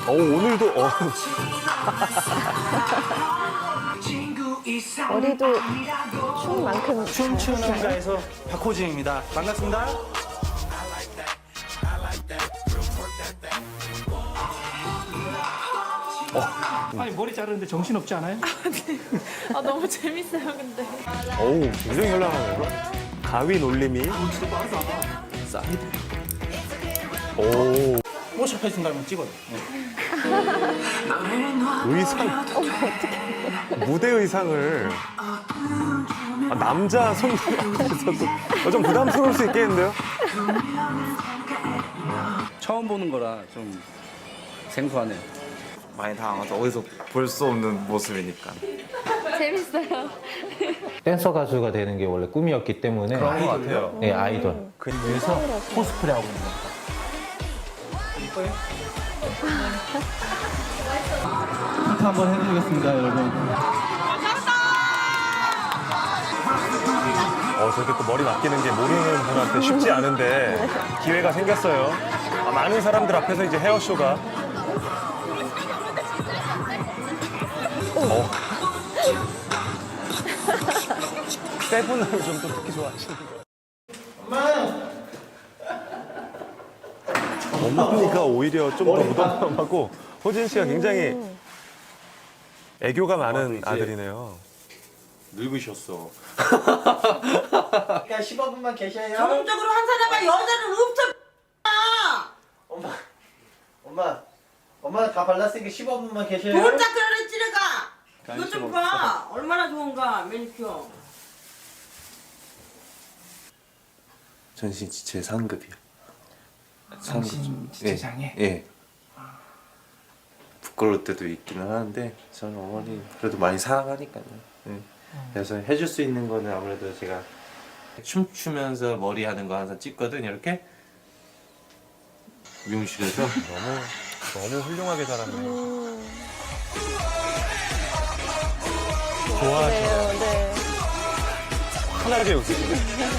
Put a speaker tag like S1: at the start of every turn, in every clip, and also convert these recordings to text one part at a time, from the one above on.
S1: 오늘도
S2: 머리도 춤 만큼
S3: 춤추는
S2: 잘 하시나요?
S3: 자에서 박호진입니다. 반갑습니다. 아니 머리 자르는데 정신 없지 않아요?
S4: 아, 너무 재밌어요, 근데.
S1: 굉장히 현란하네요. 가위 놀림이.
S3: 사이드.
S1: 오,
S3: 모션 해준다면 찍어요.
S1: 의상. 무대 의상을. 남자 손님 앞에서도 좀 부담스러울 수 있겠는데요?
S5: 처음 보는 거라 좀 생소하네요.
S6: 많이 당황하죠. 어디서 볼 수 없는 모습이니까.
S4: 재밌어요.
S7: 댄서 가수가 되는 게 원래 꿈이었기 때문에
S6: 그런 것 같아요.
S7: 네, 아이돌.
S3: 그래서 코스프레 하고 있는 겁니다. 힌트 한번 해드리겠습니다, 여러분.
S1: 저렇게 또 머리 맡기는 게 모르는 분한테 쉽지 않은데 기회가 생겼어요. 많은 사람들 앞에서 이제 헤어쇼가. 세분을 좀 또 특히 좋아하시는 거예요. 엄마니까 오히려 좀 더 무덤덤하고 호진 씨가 굉장히 애교가 많은 아들이네요.
S6: 늙으셨어.
S8: 그러니까 15분만 계셔요.
S9: 전문적으로 한 사람만 여자는 없어.
S8: 엄마 다 발랐으니까 15분만 계셔요.
S9: 혼자 그러는 찌르가. 이것 좀 봐. 얼마나 좋은가 매니큐어.
S6: 전신 지체 상급이요.
S3: 정신 지체장애?
S6: 예. 부끄러울 때도 있기는 하는데 저는 어머니 그래도 많이 사랑하니까요. 예. 그래서 해줄 수 있는 거는 아무래도 제가 춤추면서 머리 하는 거 항상 찍거든 이렇게 미용실에서
S1: 너무 훌륭하게 잘하네요. 좋아하시네요.
S2: 네.
S1: 편하게 웃으시네.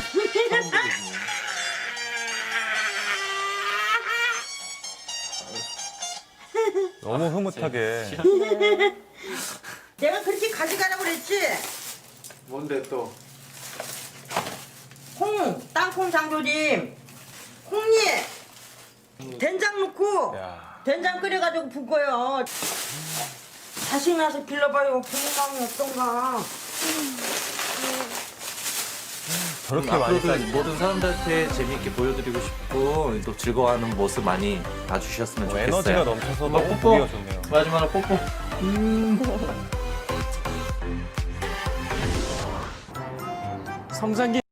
S1: 너무 흐뭇하게.
S9: 내가 그렇게 가져가라고 그랬지.
S6: 뭔데 또
S9: 땅콩 장조림, 콩잎, 된장 넣고
S1: 야.
S9: 된장 끓여가지고 붓고요. 자식 나서 길러봐요. 부모감이 어떤가.
S1: 저렇게 많이
S6: 앞으로도 모든 사람들한테 재미있게 보여드리고 싶고 또 즐거워하는 모습 많이 봐주셨으면 좋겠어요.
S1: 에너지가 넘쳐서
S6: 엄마
S1: 너무
S6: 뽀뽀.
S1: 보기가 좋네요.
S6: 마지막으로 뽀뽀.
S3: 성장기